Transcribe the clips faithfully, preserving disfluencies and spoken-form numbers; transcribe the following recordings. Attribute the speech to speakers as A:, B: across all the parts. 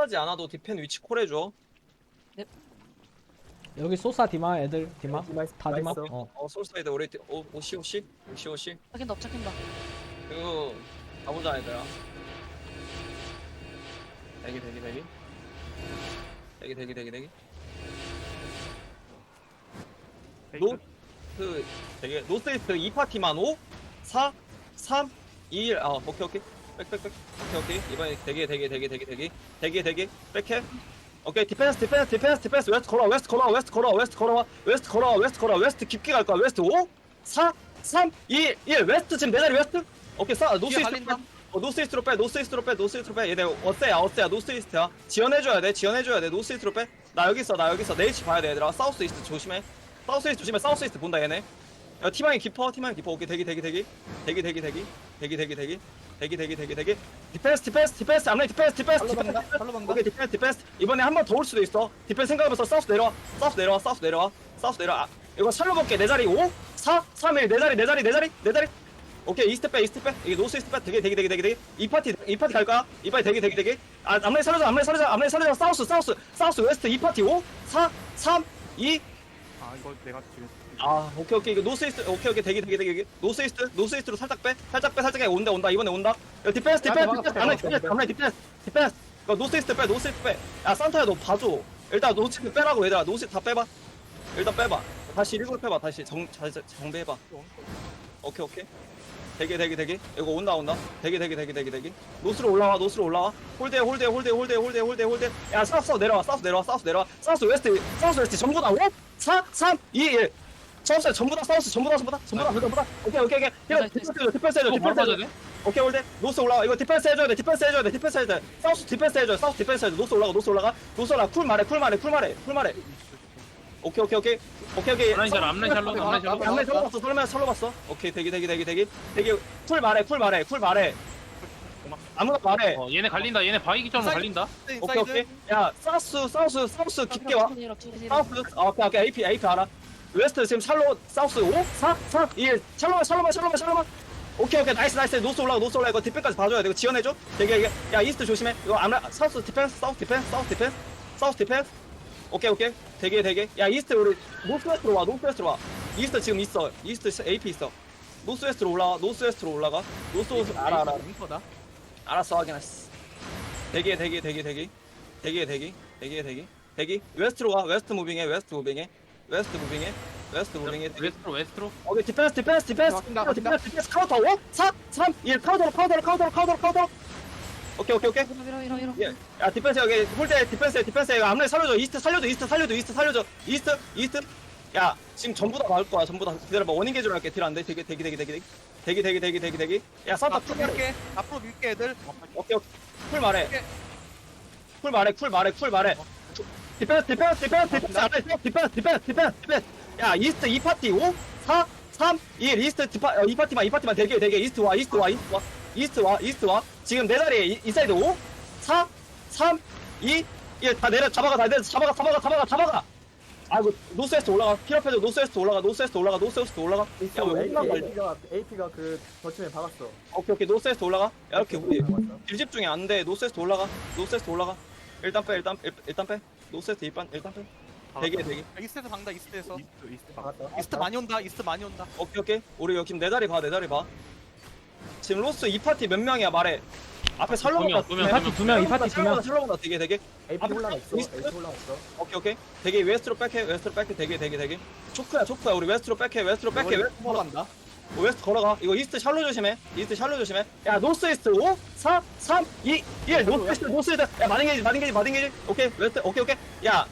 A: 콜하지 않아도 디펜 위치 콜해줘.
B: 여기 소사 디마 애들 디마
C: 디마 있-
B: 다
C: 디마
B: 디마.
C: 있어.
B: 어.
A: 어 솔사이드 우리 디- 오 오시 오시 오시 오시.
D: 잡힌다 잡힌다.
A: 이거 가보자 얘들아. 대기 대기 대기. 대기 대기 대기 대기. 노, 그, 되게, 노스이스트 이 파티만 오, 사, 삼, 이, 일, 아, 오케이, 오케이. 백, 백, 백. 오케이, 오케이. 이번에 대기, 대기, 대기, 대기, 대기. 대기, 대기. 백해. 오케이, 디펜스, 디펜스, 디펜스, 디펜스. 웨스트 걸어와, 웨스트 걸어와, 웨스트 걸어와, 웨스트 걸어와, 웨스트 걸어와, 웨스트 걸어와, 웨스트 깊게 갈 거야. 웨스트 오, 사, 삼, 이, 일. 웨스트 지금 내 자리 웨스트? 오케이, 싸, 노스이스트. 어, 노스이스트로 빼, 노스이스트로 빼, 노스이스트로 빼. 얘네 어세야, 어세야, 노스이스트야. 지원해줘야 돼, 지원해줘야 돼. 노스이스트로 빼. 나 여기 있어, 나 여기 있어. 내 위치 봐야 돼, 얘들아. 사우스 이스트 조심해. 사우스 이스트 조심해. 사우스 이스트 본다 얘네. 야 티망이 깊어. 티망이 깊어. 오케이 대기 대기 대기 대기 대기 대기 대기 대기 대기 대기 대기 대기 대기 디펜스 디펜스 디펜스 앞라인 디펜스 디펜스 디펜스 오케이 디펜스 디펜스 이번에 한 번 더 올 수도 있어. 디펜스 생각하면서 사우스 내려와 사우스 내려와 사우스 내려와 사우스 내려와. 아, 이거 살로 볼게. 내 자리 오 사 삼 일 내 자리 내 자리 내 자리 내 자리. 오케이 이스트 빼 이스트 빼. 이게 노스 이스트 빼. 되게 되게 되게 되게 되게 이 파티 이 파티 갈 거야. 이 파티 되게 되게 되게. 아 앞라인 살려줘 앞라인 살려줘 앞라인 살려줘. 사우스 사우스 사우스 웨스트 이 파티 오 사 삼 이
E: 아 이거 내가 지금
A: 아 오케이 오케이 이거 노스이스트 오케이 오케이 대기 대기 대기 노스이스트 노스이스트로 살짝 빼 살짝 빼 살짝 빼 온다 온다 이번에 온다. 야 디펜스 디펜스 디펜스 안에 디펜스 안에 디펜스 디펜스 이거 노스이스트 빼 노스이스트 빼야 산타야 너 봐줘. 일단 노스이스트 빼라고 얘들아. 노스이스트 다 빼봐. 일단 빼봐. 다시 일곱 빼봐. 다시 정 자, 자, 정배해봐. 오케이 오케이 대기 대기 대기 이거 온다 온다 대기 대기 대기 대기 대기 노스로 올라와 노스로 올라와 홀대 홀대 홀대 홀대 홀대 홀대 홀대 야 사우스 내려와 사우스 내려와 사우스 내려와 사우스 웨스트 사우스 웨스트 전부 다 오 사 삼 이 일 사우스 전부 다 사우스 전부 다 전부 다 전부 다 전부 다 오케이 오케이 오케이 이거 디펜스 해줘 디펜스 해줘 디펜스 해줘 오케이 홀대 노스 올라와 이거 디펜스 해줘야 돼 디펜스 해줘야 돼 디펜스 해줘야 돼 사우스 디펜스 해줘 사우스 디펜스 해줘 노스 올라가 노스 올라가 노스 올라가 쿨 말해 쿨 말해 쿨 말해 쿨 말해 오케이 오케이 오케이 오케이 오케이
F: 앞라인 잘 앞라인 잘로 앞라인 잘로
A: 앞라인 설로 봤어 설로 설로 봤어 오케이 대기 대기 대기 대기 대기 쿨 말해 쿨 말해 쿨 말해 아무나 말해
F: 어 얘네 갈린다 얘네 바위 기점으로 갈린다
A: 오케이 오케이 야 사우스 사우스 사우스 깊게 와 사우스 어, 오케이 오케이 에이피 에이피 알아 웨스트 지금 샬로 사우스 오 사 삼 이 일 샬로만 샬로만 샬로만 샬로만 오케이 오케이 나이스 나이스 노스 올라가 노스 올라가 이거 디펜까지 봐줘야 돼 이거 지원해줘 되게 이게 야 이스트 조심해 이거 암라 사우스 디펜스 사우스 디펜스 사우스 디펜스 사우스 디펜스 오케이 오케이 되게 되게 야 이스트 우리 노스웨스트로 와 노스웨스트로 와 이스트 지금 있어 이스트 에이피 있어 노스웨스트로 올라와 노스웨스트로 올라가 노스웨스트 알아 알아
E: 링커다.
A: 알았어 확인했어 대기해 대기 대기 대기 대기해 대기 대기해 대기 대기 웨스트로 가 웨스트 무빙해 웨스트 무빙해 웨스트 무빙해 웨스트 무빙해
F: 웨스트로 웨스트로
A: 오케이 디펜스 디펜스 디펜스
E: 바뀐다, 바뀐다.
A: 디펜스 디펜스 카운터 오 사 삼 일 카운터로 카운터로 카운터로 카운터로 카운터로 오케이 오케이 오케이
D: 이러 이러 이러.
A: 예. 야 디펜스 여기 홀대 디펜스 디펜스 이거 앞라인 살려줘 이스트 살려줘 이스트 살려줘 이스트 살려줘 이스트 이스트 야 지금 전부 다 나올 거야 전부 다 기다려봐 원인 개조를 할게 딜 안돼 대기 대기 대기 대기 대기 대기 대기 대기 대기 야 산타
E: 앞으로
A: 풀 말해
E: 밀게. 앞으로 밀게 애들.
A: 오케이 오케이 쿨 말해 쿨 말해 쿨 말해 쿨 말해 디펜스 디펜스 디펜스 디펜스 안돼 디펜스 디펜스 디펜스 디펜스 야 이스트 이 파티 오 사 삼 이 일 이스트 디파 어, 이 파티만 이 파티만 대기 대기 이스트 와 이스트 와 이스트 와 이스트 와 이스트 와 지금 내 자리에 이, 이 사이드 오 사 삼 이 일 다 내려 잡아가 다 내려 잡아가 잡아가 잡아가 잡아가 아이고 노스웨스트 올라가 필업해줘 노스웨스트 올라가 노스웨스트 올라가 노스웨스트 올라가
C: 있어.
A: 야왜 올라가
C: 에이피가 에이피가 그 버침에 박았어.
A: 오케이 오케이 노스웨스트 올라가 야 이렇게 우리
C: 박았어.
A: 딜 집중이 안돼 노스웨스트 올라가 노스웨스트 올라가 일단 빼 일단 일, 일단 빼 노스웨스트 일단 일단 빼 대기 대기
E: 이스트에서 박는다. 이스트에서.
F: 이스트 이스트
C: 박았다.
E: 이스트 많이 온다. 이스트 많이 온다.
A: 오케이 오케이 우리 여기 내 자리 봐내 자리 봐 지금 로스 이 파티 몇 명이야 말해 앞에 살로보다
F: 두 명,
B: 이 파티 두 명 이 파티 두 명.
A: 살로보다 되게 되게
C: 에이피 올라가 있어.
A: 이스트?
C: 에이피 올라가 있어.
A: 오케이 오케이 되게 웨스트로 백해 웨스트로 백해 되게 되게 되게 초크야 초크야 우리 웨스트로 백해 웨스트로 백해 웨스트 걸어가
E: 간다.
A: 웨스트 걸어가 이거 이스트 샬로 조심해 이스트 샬로 조심해 야 노스 이스트 오 사 삼 이 일 노스 이스트 노스 이스트 야 마딩게이지 마딩게이지 마딩게이지 오케이 웨스트 오케이 오케이 야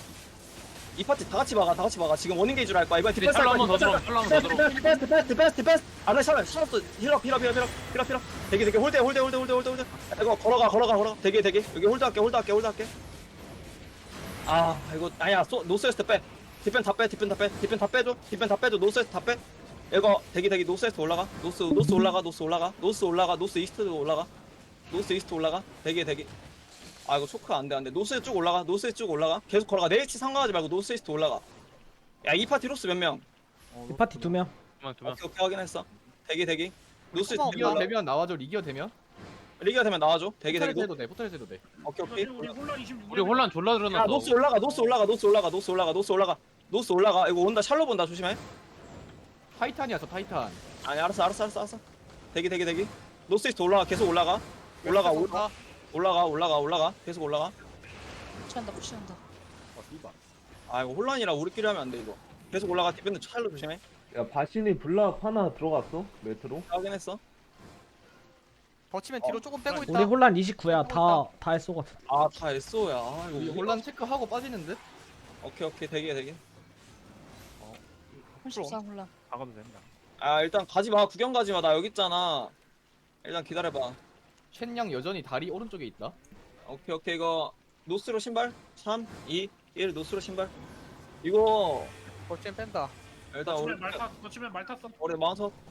A: 이 파티 다 같이 막아 다 같이 막아 지금 원인 게이지로 할 거야 이번에 디펜스
F: 샬로 한번 더 들어 샬로 한번 더 들어
A: 디펜스 디펜스 디펜스 디펜스 안에 샬로 샬로 힐업 힐업 힐업 힐업 힐업 힐업 되게 되게 홀대 홀대 홀대 홀대 홀대 홀대 이거 걸어가 걸어가 걸어가 되게 되게 여기 홀드 할게 홀드 할게 홀드 할게 아 이거 아니야 소 노스웨스트 빼 디펜 다 빼 디펜 다 빼 디펜 다 빼줘 디펜 다 빼줘 노스웨스트 다빼 이거 대기 대기 노스웨스트 올라가 노스 노스 올라가 노스 올라가 노스 올라가 노스 이스트 올라가 노스 이스트 올라가 대기 대기 아 이거 초크 안돼 안돼 노스 쭉 올라가 노스 쭉 올라가 계속 걸어가 내 위치 상관하지 말고 노스 이스트 올라가 야 이 파티 로스 몇 명?
B: 이 파티 두 명.
F: 두명 두명
A: 오케이 오케이 확인했어 대기 대기 노스 이스트
E: 리기어
A: 올라가
E: 되면 나와줘. 리기어 되면.
A: 리기가 되면 나와줘. 되게 되게
D: 포탈에서
A: 노.
D: 해도 돼. 포탈에서 해도 돼.
A: 오케이 오케이.
G: 우리 혼란 이십육.
F: 우리 혼란 졸라
A: 야
F: 들어놨어.
A: 노스 올라가 노스 올라가 노스 올라가 노스 올라가 노스 올라가 노스 올라가. 이거 온다. 샬로 본다. 조심해.
D: 타이탄이야 저 타이탄.
A: 아니 알았어 알았어 알았어 알았어. 대기 대기 대기. 노스 이스트 올라가. 계속 올라가. 올라가 올-
E: 아,
A: 올라가 올라가 올라가. 계속 올라가.
H: 푸시한다 푸시한다.
D: 어 씨발.
A: 아 이거 혼란이라 우리끼리 하면 안 돼 이거. 계속 올라가. 디펜드 샬로 조심해.
I: 야 바신이 블락 하나 들어갔어 메트로.
A: 확인했어.
E: 버치면 뒤로 조금 빼고 있다.
B: 우리 혼란 이십구야. 다 다 했어거든.
A: 아다 에스오야. 아 이거
D: 우리
A: 우리-
D: 혼란 체크하고 빠지는 듯?
A: 오케이 오케이 대기 대기.
H: 십사 혼란.
E: 박아도 된다.
A: 아 일단 가지마. 구경 가지마. 나 여기 있잖아. 일단 기다려봐.
D: 첸양 여전히 다리 오른쪽에 있다.
A: 오케이 오케이 이거 노스로 신발 삼 이 일 노스로 신발. 이거
E: 버치면 뺀다.
A: 일단 우리
G: 거치면 말 탔, 거치면 말 탔어.
A: 우리 마운트